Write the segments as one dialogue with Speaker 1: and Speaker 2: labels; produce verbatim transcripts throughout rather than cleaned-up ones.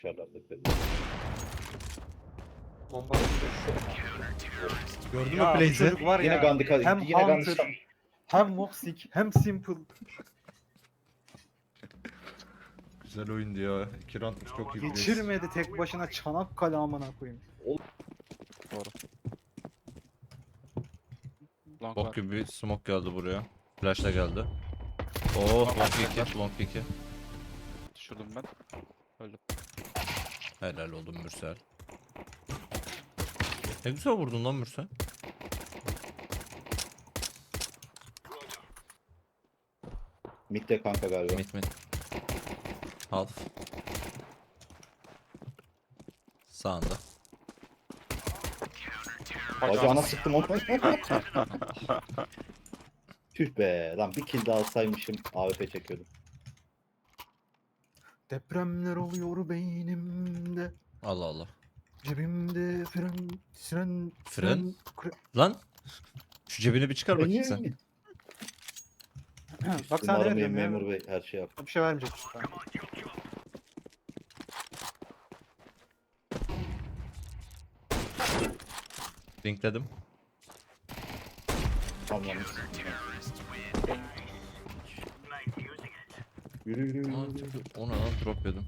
Speaker 1: Bomba
Speaker 2: Gördün mü
Speaker 1: ya bu
Speaker 2: Blaze'i?
Speaker 1: çocuk var
Speaker 3: Yine
Speaker 1: ya.
Speaker 3: Gandhi
Speaker 1: hem
Speaker 3: yine Gandhi
Speaker 1: Hunter, hem Moxic, hem Simple.
Speaker 2: Güzel oyundu ya. İki roundmuş çok iyi Blaze.
Speaker 1: Geçirmedi tek başına Çanakkale amına koyayım.
Speaker 4: Long var.
Speaker 2: Bok gibi bir smoke geldi buraya. Flash da geldi. Oo, long iki, long iki.
Speaker 4: Düşürdüm ben. Öldüm.
Speaker 2: Helal oldum Mürsel. Ne güzel vurdun lan Mürsel.
Speaker 3: Mid'de kanka galiba.
Speaker 2: Mid mid. Half. Sağında.
Speaker 3: Bacağına sıktım onu. Tüh be lan bir kill daha alsaymışım A W P çekiyordum.
Speaker 1: Depremler oluyor beynimde.
Speaker 2: Allah Allah.
Speaker 1: Cebimde fren, siren,
Speaker 2: Fren?
Speaker 1: kre-
Speaker 2: Lan. Şu cebine bir çıkar bakayım sen.
Speaker 1: Bak sana ne
Speaker 3: Umarım
Speaker 1: veriyorum ya.
Speaker 3: memur bey her şey yap.
Speaker 1: Bir şey vermeyecek işte.
Speaker 2: Linkledim.
Speaker 3: Tamam. Yürü yürü yürü.
Speaker 2: Aa,
Speaker 3: yürü.
Speaker 2: ona lan drop yedim.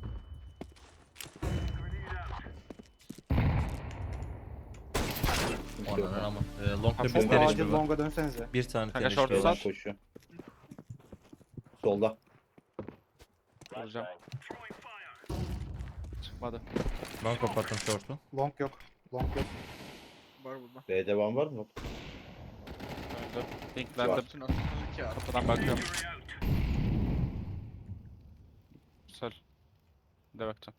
Speaker 2: Ona ama. E, long'da
Speaker 1: Çok
Speaker 2: bir tane
Speaker 1: acil
Speaker 2: var.
Speaker 1: longa dönsenize.
Speaker 2: Bir tane
Speaker 4: Kanka
Speaker 2: tane
Speaker 4: short
Speaker 2: var.
Speaker 3: Şeyden
Speaker 4: sat.
Speaker 3: koşuyor. Solda.
Speaker 4: Vuracağım. Çıkmadı.
Speaker 2: Ben kapattım short'u.
Speaker 1: Long yok. Long yok.
Speaker 4: Var burada.
Speaker 3: B devam var mı?
Speaker 4: Öldü. Linklendim.
Speaker 3: Var.
Speaker 4: Kapıdan bakıyorum. Güzel. Bir de bakacağım.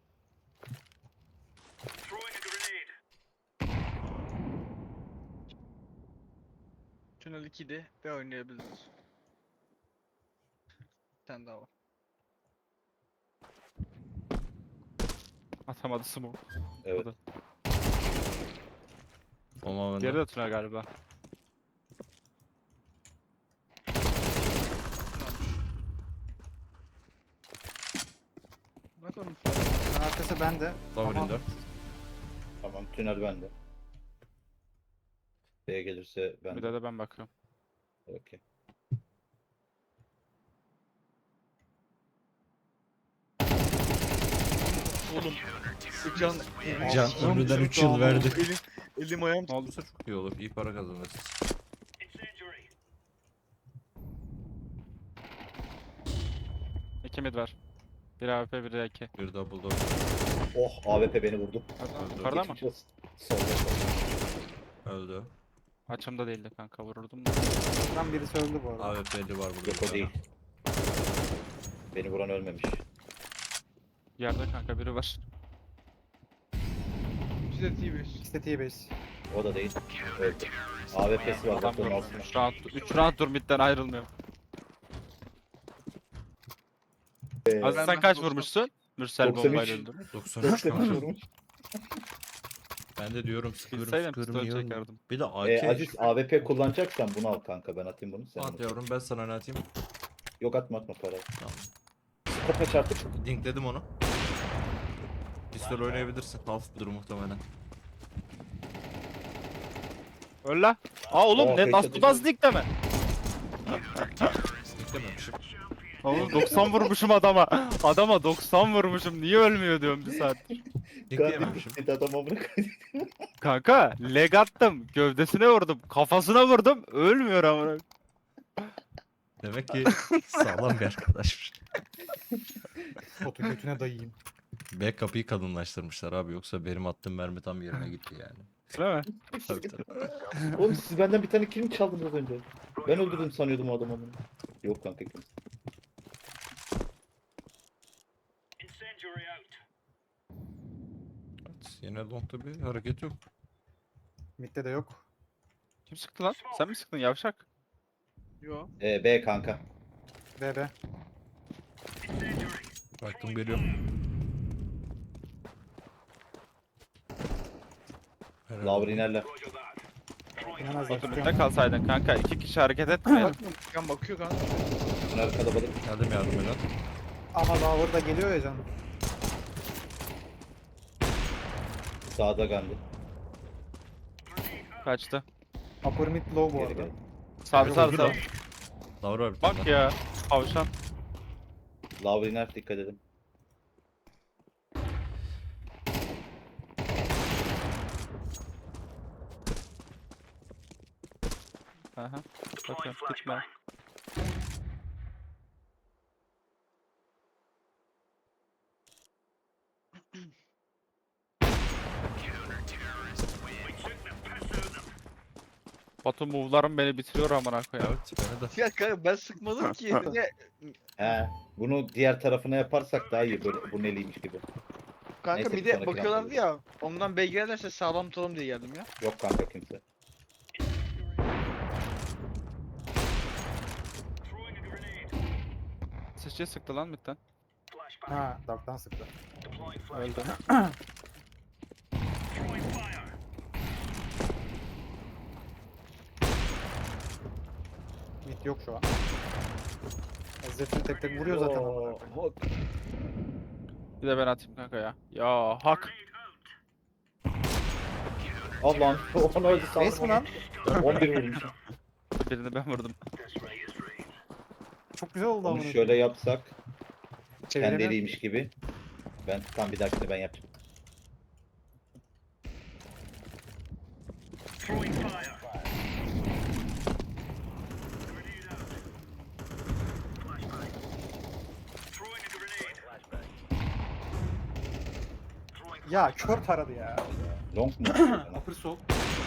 Speaker 5: Tünel ikide ve oynayabiliriz. Bir tane daha var.
Speaker 4: Atamadı smoke.
Speaker 3: Evet.
Speaker 2: Ama ben
Speaker 4: Diğeri
Speaker 2: de.
Speaker 4: de tünel galiba.
Speaker 5: Bakalım.
Speaker 1: Arkası bende.
Speaker 2: Lower
Speaker 1: Ama
Speaker 2: indoor.
Speaker 3: Tamam tünel bende. B gelirse ben
Speaker 4: Bir de de ben bakıyorum.
Speaker 3: Okey.
Speaker 5: Oğlum. Can.
Speaker 2: Can ömrüden üç yıl verdi.
Speaker 5: Elim, elim ayağım.
Speaker 2: Ne olursa çok iyi olur. İyi para kazanırız.
Speaker 4: İki mid var. Bir A W P, bir de iki.
Speaker 2: Bir double door.
Speaker 3: Oh A W P beni vurdu.
Speaker 4: Yukarıda mı?
Speaker 3: Geçmiş olsun. Solda solda.
Speaker 2: Öldü.
Speaker 4: Açımda değildi kanka, vururdum da.
Speaker 1: ben birisi öldü bu arada.
Speaker 2: A W P'li var burada.
Speaker 3: Yok o değil. Beni vuran ölmemiş.
Speaker 4: Yerde kanka biri var.
Speaker 5: Bize T bir.
Speaker 1: İkisi de T-base.
Speaker 3: O da değil. Öldü. A W P'si var.
Speaker 4: Adam
Speaker 3: Doktorun
Speaker 4: durmuş.
Speaker 3: altında.
Speaker 4: üç round, üç round dur midden ayrılmıyor.
Speaker 3: Ee,
Speaker 4: Az
Speaker 5: Ben
Speaker 4: sen
Speaker 5: de
Speaker 4: kaç
Speaker 5: doksan-
Speaker 4: vurmuşsun? Mürsel
Speaker 3: doksan üç.
Speaker 4: bombayla öldü.
Speaker 2: doksan üç
Speaker 3: doksan üç
Speaker 2: kanka.
Speaker 3: vurmuş.
Speaker 2: Ben de diyorum sıkıyorum
Speaker 4: Bilseydim
Speaker 2: sıkıyorum
Speaker 4: pistol
Speaker 2: iyi oynuyor.
Speaker 4: çekerdim.
Speaker 2: Bir de A K.
Speaker 3: Ee, Aziz A W P kullanacaksan bunu al kanka. Ben atayım bunu. Sen
Speaker 2: At
Speaker 3: onu.
Speaker 2: yavrum ben sana ne atayım?
Speaker 3: Yok atma atma para.
Speaker 2: Tamam.
Speaker 3: Kopa çarptık.
Speaker 2: Linkledim onu. Pistol oynayabilirsin. Half'dır muhtemelen.
Speaker 4: Öl la. Aa oğlum
Speaker 3: Aa,
Speaker 4: ne
Speaker 3: headshot
Speaker 4: nasıl nasıl ligde mi?
Speaker 2: Linklememişim.
Speaker 4: Oğlum doksan vurmuşum adama. Adama doksan vurmuşum. Niye ölmüyor diyorum bir saat.
Speaker 2: Linkleyememişim.
Speaker 3: Bir adam amına koyayım.
Speaker 4: Kanka leg attım. Gövdesine vurdum. Kafasına vurdum. Ölmüyor ama.
Speaker 2: Demek ki sağlam bir arkadaşmış.
Speaker 1: Botu götüne dayayayım.
Speaker 2: B kapıyı kadınlaştırmışlar abi yoksa benim attığım mermi tam yerine gitti yani.
Speaker 4: Değil mi?
Speaker 2: Tabii, tabii.
Speaker 3: Oğlum siz benden bir tane kill mi çaldınız az önce? Ben öldürdüm sanıyordum o adamı. Yok kanka ikimiz.
Speaker 2: Evet, yine long'da bir hareket yok.
Speaker 1: Mid'de de yok.
Speaker 4: Kim sıktı lan? Sen mi sıktın yavşak?
Speaker 5: Yo.
Speaker 3: Ee, B kanka.
Speaker 1: B B.
Speaker 2: Baktım geliyorum. Herhalde.
Speaker 3: Lower inerler.
Speaker 1: İnemezler.
Speaker 4: Otur
Speaker 1: tutuyorum.
Speaker 4: ne kalsaydın kanka. İki kişi hareket etmeyin.
Speaker 5: Bakma. Kan bakıyor kanka.
Speaker 3: Tünel kalabalık.
Speaker 2: Geldim yardım eden.
Speaker 1: Ama Lower da geliyor ya canım.
Speaker 3: Sağda Gandhi.
Speaker 4: Kaçtı.
Speaker 1: Upper mid low bu
Speaker 3: Geri
Speaker 1: arada.
Speaker 3: gel.
Speaker 4: Sağ
Speaker 2: Yok,
Speaker 4: sağ
Speaker 2: öldü
Speaker 4: sağ.
Speaker 2: lan. Davra var bir tane
Speaker 4: Bak
Speaker 2: daha.
Speaker 4: ya. Tavşan.
Speaker 3: Lava iner, dikkat edin.
Speaker 4: Aha. Bakıyorum gitme. Batu move'larım beni bitiriyor amına koyayım.
Speaker 2: Evet beni de.
Speaker 5: Ya kanka ben sıkmadım ki. Niye?
Speaker 3: He. Bunu diğer tarafına yaparsak daha iyi, böyle bu neliymiş gibi.
Speaker 5: Kanka
Speaker 3: Neyse, bir
Speaker 5: mide
Speaker 3: sonraki
Speaker 5: bakıyorlardı
Speaker 3: roundda
Speaker 5: ya. Ondan bey gelirse sağlam tutalım diye geldim ya.
Speaker 3: Yok kanka kimse.
Speaker 4: Sıçıya sıktı lan midden.
Speaker 1: Ha, Dark'tan sıktı.
Speaker 4: Öldü.
Speaker 1: Mid yok şu an. Zed'ini tek tek vuruyor zaten. amına
Speaker 3: Oo,
Speaker 1: koyayım.
Speaker 3: hok.
Speaker 4: Bir de ben atayım kanka ya. Ya hak.
Speaker 3: Allah'ım onu öldü
Speaker 1: Ace mi
Speaker 3: sandım.
Speaker 1: lan?
Speaker 3: on bir vurmuşum.
Speaker 4: Birini ben vurdum.
Speaker 1: Çok güzel oldu
Speaker 3: Onu
Speaker 1: amına
Speaker 3: şöyle yapsak.
Speaker 1: Çeviremiyor.
Speaker 3: Kendiliymiş gibi. Ben tam bir dahakine ben yapacağım.
Speaker 1: Ya kör taradı ya.
Speaker 3: Long mu?
Speaker 1: Upper sol.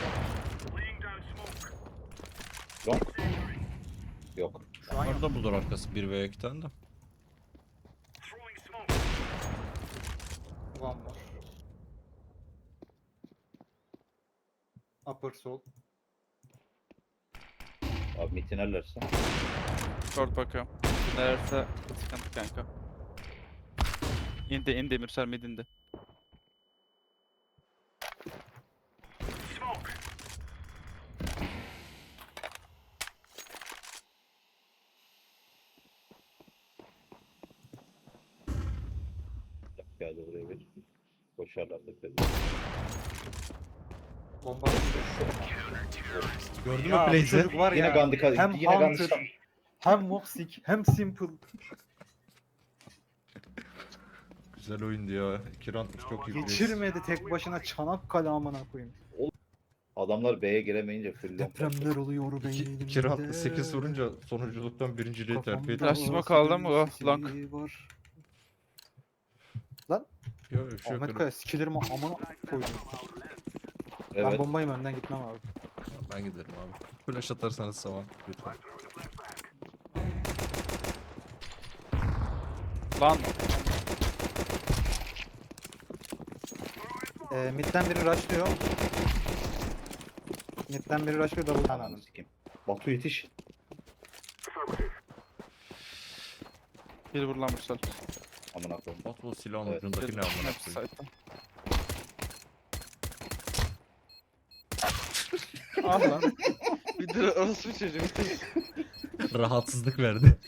Speaker 3: Long. Yok.
Speaker 1: Şu an yok.
Speaker 2: Orada bulur arkası bir veya iki tane de.
Speaker 1: Ulan var. Upper sol.
Speaker 3: Abi mitinerlerse.
Speaker 4: Short bakıyorum. Neresi sıkıntı kanka. İndi indi Mürsel mid indi.
Speaker 3: Geldi buraya bir. Koşarlar da dedi.
Speaker 1: Bomba.
Speaker 2: Gördün mü
Speaker 1: Ya bu
Speaker 2: Blaze'i?
Speaker 1: çocuk var
Speaker 3: Yine
Speaker 1: ya.
Speaker 3: Gandhi ka-
Speaker 1: Hem
Speaker 3: yine Gandhi
Speaker 1: Hunter, hem Moxic, hem Simple.
Speaker 2: Güzel oyundu ya. İki round çok iyi. Blaze.
Speaker 1: Geçirmedi tek başına Çanakkale amına koyayım.
Speaker 3: Adamlar B'ye giremeyince full long.
Speaker 1: Depremler oluyor
Speaker 2: İki,
Speaker 1: beynimde.
Speaker 2: iki roundda sekiz vurunca sonunculuktan birinciliği terfi
Speaker 1: Kafamda
Speaker 2: etti.
Speaker 4: Flash smoke aldı mı? Oh,
Speaker 1: sesi
Speaker 4: blank.
Speaker 1: var.
Speaker 2: Yok bir şey yok.
Speaker 1: Ahmet Kaya skillerimi amına koydum. Ben
Speaker 3: Evet.
Speaker 1: bombayım, önden gitmem abi.
Speaker 2: Ben giderim abi. Flash atarsanız saman lütfen.
Speaker 4: Lan
Speaker 1: Ee, midden biri rushlıyor. Midden biri rushlıyor, double
Speaker 3: Ananı
Speaker 1: ananı.
Speaker 3: sikeyim. Batu yetiş.
Speaker 4: bir vur lan Mürsel.
Speaker 3: Amına koyayım.
Speaker 2: Bot bu silahın
Speaker 3: Evet.
Speaker 2: ucundaki ne amına
Speaker 4: Hepsi
Speaker 2: koyayım.
Speaker 4: site'da. Ah lan.
Speaker 5: Bir de orası bir çocuğum.
Speaker 2: Rahatsızlık verdi.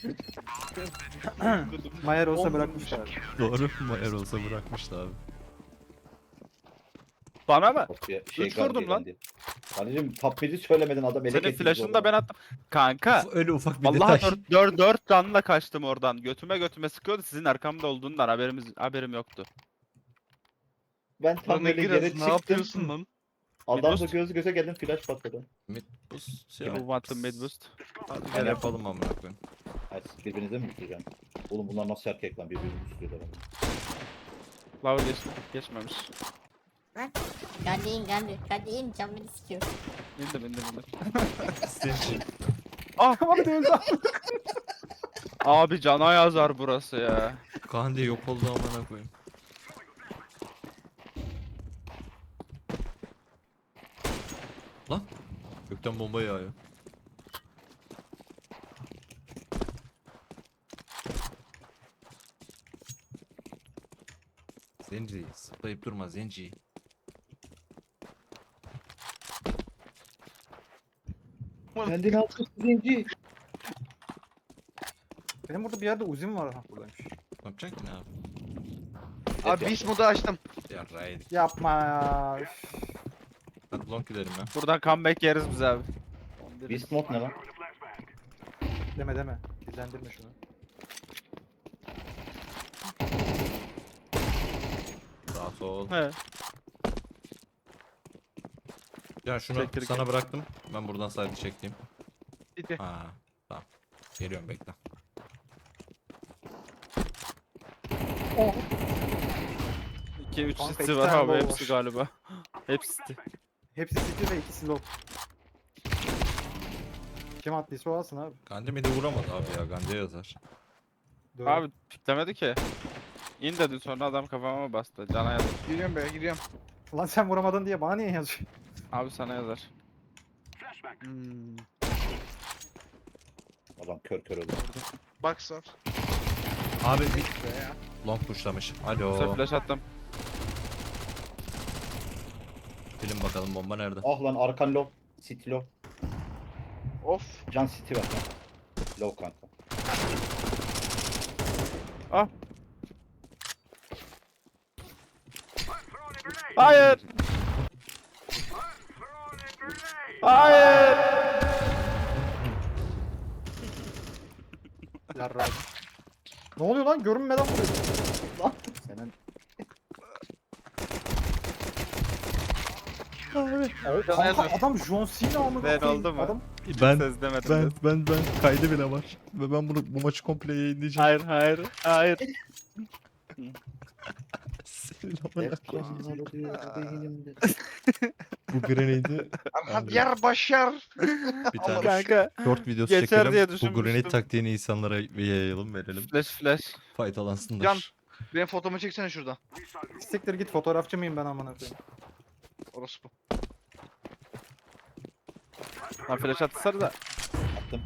Speaker 1: Mayer olsa bırakmışlar.
Speaker 2: Doğru. Mayer olsa bırakmıştı abi.
Speaker 4: Bana mı?
Speaker 3: Batu'ya şey
Speaker 4: Üç vurdum
Speaker 3: Gandhi,
Speaker 4: lan.
Speaker 3: Gandhi. Anneciğim top mid'i söylemedin, adam elek
Speaker 4: Senin
Speaker 3: etti
Speaker 4: flash'ını
Speaker 3: bizi
Speaker 4: da ben
Speaker 3: oradan.
Speaker 4: attım. Kanka.
Speaker 2: Öyle ufak bir
Speaker 4: Vallahi
Speaker 2: detay.
Speaker 4: dört, dört, dört canla kaçtım oradan. Götüme götüme sıkıyordu. Sizin arkamda olduğundan haberimiz haberim yoktu.
Speaker 3: Ben tam
Speaker 5: Lan
Speaker 3: böyle
Speaker 5: Egiraz,
Speaker 3: yere
Speaker 5: ne
Speaker 3: çıktım.
Speaker 5: yapıyorsun lan?
Speaker 3: Adamla
Speaker 4: Boost.
Speaker 3: göz göze geldim, flash patladı.
Speaker 2: Mid boost
Speaker 4: Bir
Speaker 2: ya.
Speaker 4: move attım mid boost.
Speaker 2: Hadi
Speaker 3: Ben
Speaker 2: gel yapalım amına koyayım.
Speaker 3: Hayır, siz birbirinize mi düşüreceğim? Oğlum bunlar nasıl erkek lan, birbirini düşürüyorlar ama.
Speaker 4: Lower geç, geçmemiş.
Speaker 6: Geldi in geldi. Geldi in can beni sikiyor.
Speaker 4: İndim indim indim.
Speaker 2: Zenci.
Speaker 4: Ah abi öldü. Abi cana yazar burası ya.
Speaker 2: Kaan diye yok oldu amına koyayım. Lan. Gökten bomba yağıyor. Zenci. Zıplayıp durma Zenci.
Speaker 3: Kendini altı zenci.
Speaker 1: Benim burada bir yerde uzun var. Ha, buradaymış.
Speaker 2: Ne yapacaksın ki ne abi?
Speaker 5: Abi beast modu açtım.
Speaker 2: Ya Raid.
Speaker 1: Yapma ya. Üf.
Speaker 2: Hadi long gidelim ya.
Speaker 4: Buradan comeback yeriz biz abi.
Speaker 3: Beast mode ne lan?
Speaker 1: Deme deme. Dillendirme şunu.
Speaker 2: Rahat ol.
Speaker 4: He.
Speaker 2: Ya şunu
Speaker 4: Çektir
Speaker 2: sana
Speaker 4: gel.
Speaker 2: bıraktım. Ben buradan side çekeyim.
Speaker 5: City.
Speaker 2: Ha, tamam. Geliyorum bekle.
Speaker 4: iki üç
Speaker 1: Kanka,
Speaker 4: city
Speaker 1: iki
Speaker 4: var
Speaker 1: tane
Speaker 4: abi
Speaker 1: low
Speaker 4: hepsi
Speaker 1: var.
Speaker 4: galiba. Hepsi city.
Speaker 1: Hepsi city ve ikisi low. Kim attıysa o alsın abi.
Speaker 2: Gandhi midi vuramadı abi ya. Gandhi'ye yazar.
Speaker 1: Doğru.
Speaker 4: Abi piklemedi ki. İn dedi sonra adam kafama bastı. Cana yazar.
Speaker 5: Giriyorum be giriyorum.
Speaker 1: Lan sen vuramadın diye bana niye yazıyorsun?
Speaker 4: Abi sana yazar.
Speaker 5: Hmm.
Speaker 3: Adam kör kör öldü.
Speaker 5: Box var.
Speaker 2: Abi bir
Speaker 5: Be ya.
Speaker 2: long pushlamış.
Speaker 4: Sonra
Speaker 2: Alo.
Speaker 4: flash attım.
Speaker 2: Bilin bakalım bomba nerede?
Speaker 3: Ah lan arkan low. City low.
Speaker 5: Of.
Speaker 3: Can city var lan. Low kanka.
Speaker 4: Hayır. Hayır.
Speaker 1: Yarra. Ne oluyor lan? Görünmeden vuruyor. Lan. Senin. Abi. Kanka adam John Cena amına
Speaker 4: Ben
Speaker 1: koyayım.
Speaker 4: oldu mu?
Speaker 1: Adam
Speaker 2: Ben
Speaker 4: Söz demedim.
Speaker 2: ben
Speaker 4: Ben...
Speaker 2: ben ben kaydı bile var. Ve ben bunu bu maçı komple yayınlayacağım.
Speaker 4: Hayır hayır hayır.
Speaker 2: Senin amına koyayım.
Speaker 3: Efkanlar oluyor beynimde.
Speaker 2: Bu grenade'i
Speaker 5: Hadi yar başar.
Speaker 2: bir tane
Speaker 4: Kanka.
Speaker 2: short videosu
Speaker 4: Geçer
Speaker 2: çekelim.
Speaker 4: diye
Speaker 2: Bu
Speaker 4: düşünmüştüm.
Speaker 2: grenade taktiğini insanlara yayalım verelim.
Speaker 4: Flash flash.
Speaker 2: Faydalansınlar.
Speaker 5: Can. Benim fotomu çeksene şurada.
Speaker 1: siktir git, fotoğrafçı mıyım ben amına koyayım?
Speaker 5: Orası bu.
Speaker 4: Lan flash atsana da.
Speaker 3: Attım.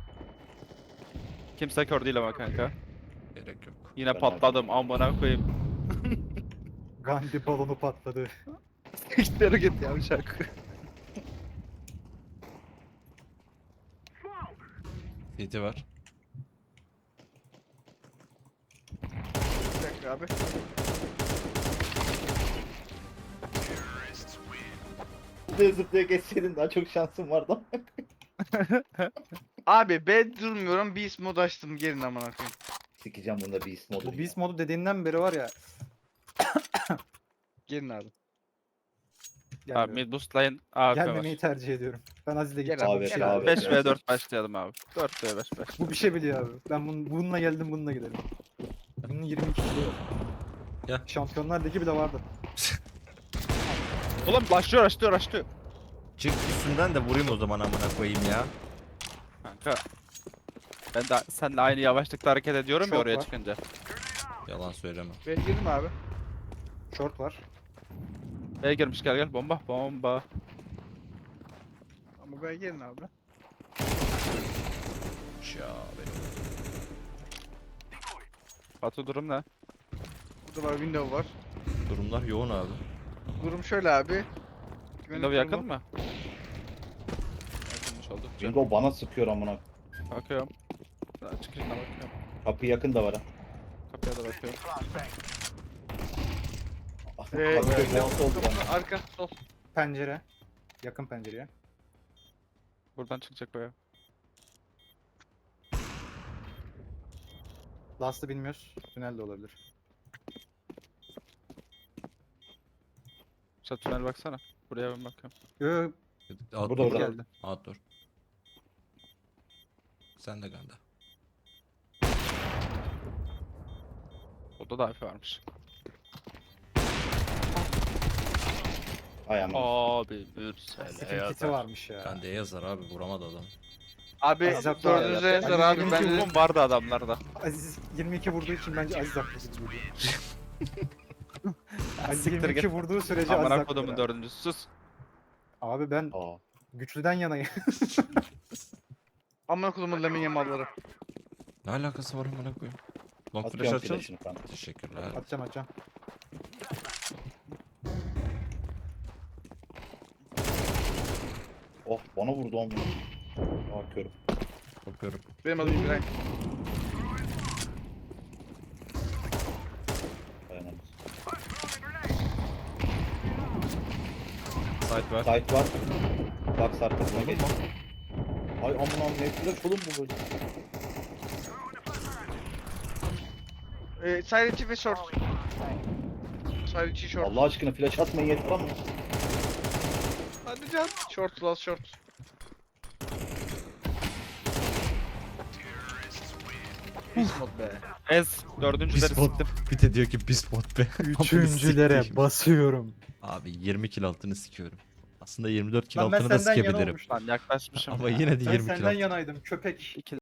Speaker 4: Kimse kör değil ama kanka.
Speaker 2: Gerek yok.
Speaker 4: Yine
Speaker 3: Ben
Speaker 4: patladım amına koyayım.
Speaker 1: Gandhi balonu patladı.
Speaker 4: İşleri git yavşak.
Speaker 2: C T var.
Speaker 5: Bir dakika abi.
Speaker 3: Zıplaya zıplaya geçseydin daha çok şansın vardı.
Speaker 5: Abi ben durmuyorum. Beast mod açtım. Gelin amına koyayım.
Speaker 3: Sikeceğim bunda beast modu.
Speaker 1: Bu beast modu dediğinden beri var ya.
Speaker 5: Gelin abi.
Speaker 4: Abi
Speaker 1: Gelmiyorum.
Speaker 4: mid boost lane A F K
Speaker 1: Gelmemeyi
Speaker 4: var.
Speaker 1: tercih ediyorum. Ben Aziz'le
Speaker 5: Gel
Speaker 1: gideceğim.
Speaker 5: abi,
Speaker 1: Bu bir şey
Speaker 5: gel
Speaker 1: biliyor.
Speaker 5: abi.
Speaker 4: beş ve dört başlayalım abi. dört ve beş beş.
Speaker 1: Bu bir şey biliyor abi. Ben bun, bununla geldim, bununla gidelim. Bunun yirmi ikisi de yok.
Speaker 2: Ya.
Speaker 1: Şampiyonlar Ligi bile vardı.
Speaker 4: Ulan başlıyor başlıyor başlıyor.
Speaker 2: Çık üstünden de vurayım o zaman amına koyayım ya.
Speaker 4: Kanka. Ben de seninle aynı yavaşlıkta hareket ediyorum ya
Speaker 1: Çok
Speaker 4: oraya
Speaker 1: var.
Speaker 4: çıkınca.
Speaker 2: Yalan söyleme.
Speaker 5: Ben girdim abi.
Speaker 1: Short var.
Speaker 4: B'ye girmiş gel gel bomba bomba.
Speaker 5: Ama ben gelin abi.
Speaker 2: Ya benim.
Speaker 4: Batu durum ne?
Speaker 5: Burada var window var.
Speaker 2: Durumlar yoğun abi.
Speaker 5: Durum şöyle abi.
Speaker 4: Window yakın mı? Yakınmış olduk.
Speaker 3: Bingo bana sıkıyor amına.
Speaker 4: Bakıyorum. Daha çıkışına bakıyorum.
Speaker 3: Kapı yakın da var ha.
Speaker 4: Kapıya da bakıyorum.
Speaker 5: Ee,
Speaker 3: Kapı
Speaker 5: window,
Speaker 3: yakın oldu bana.
Speaker 5: Arka sol.
Speaker 1: Pencere. Yakın pencereye.
Speaker 4: Buradan çıkacak baya.
Speaker 1: Last'ı bilmiyoruz. Tünel de olabilir.
Speaker 4: Sen tünel baksana. Buraya ben bakıyorum.
Speaker 1: Yo, yo,
Speaker 2: Outdoor
Speaker 3: Burada, burada.
Speaker 1: geldi.
Speaker 2: Outdoor. Sen de Ganda.
Speaker 4: Oda da A F varmış.
Speaker 3: Ay aman.
Speaker 4: Abi Mürsel
Speaker 1: Sefin kiti varmış ya.
Speaker 2: Ganda'ya yazar abi vuramadı adam.
Speaker 5: Abi
Speaker 1: Aziz Akbar
Speaker 5: dördünüze
Speaker 1: ya.
Speaker 5: yazar
Speaker 1: Aziz
Speaker 5: abi.
Speaker 1: yirmi
Speaker 5: Ben
Speaker 1: iki
Speaker 5: de
Speaker 4: Umum vardı adamlarda.
Speaker 1: Aziz yirmi iki vurduğu için bence Aziz haklı gibi geliyor. Aziz
Speaker 4: Siktir
Speaker 1: yirmi iki
Speaker 4: git.
Speaker 1: vurduğu sürece Aziz
Speaker 4: Amına
Speaker 1: haklı.
Speaker 4: kodumun
Speaker 1: ya.
Speaker 4: dördüncüsü sus.
Speaker 1: Abi ben
Speaker 3: Aa.
Speaker 1: güçlüden yanayım.
Speaker 5: amına kodumun lemin yamalları.
Speaker 2: Ne alakası var amına koyayım? Long flash
Speaker 3: Atıyorum
Speaker 2: açalım.
Speaker 3: flash'ını kanka.
Speaker 2: Teşekkürler.
Speaker 1: atacağım atacağım.
Speaker 3: Oh bana vurdu amına. Aa körüm.
Speaker 2: Bakıyorum.
Speaker 5: Benim adım İbrahim.
Speaker 3: Dayanamaz.
Speaker 2: Site var.
Speaker 3: Site var. Box arkasına geç. Ay aman aman ne flash oğlum bu böyle.
Speaker 5: Ee, side içi ve short. Side içi short.
Speaker 3: Allah aşkına flash atmayın yeter ama.
Speaker 5: Hadi can. Short last short. Beast mode be.
Speaker 4: Ez dördüncüleri
Speaker 2: Bispot.
Speaker 4: siktim.
Speaker 2: Bir de diyor ki bispot be.
Speaker 1: Üçüncülere basıyorum.
Speaker 2: Abi yirmi kill altını sikiyorum. Aslında yirmi dört kill
Speaker 1: Lan ben
Speaker 2: altını da
Speaker 1: senden yana
Speaker 2: sikebilirim.
Speaker 1: olmuştum.
Speaker 4: Lan yaklaşmışım.
Speaker 2: Ama
Speaker 4: ya.
Speaker 2: yine de
Speaker 1: Ben
Speaker 2: yirmi kill
Speaker 1: senden
Speaker 2: altı.
Speaker 1: yanaydım köpek.
Speaker 4: İki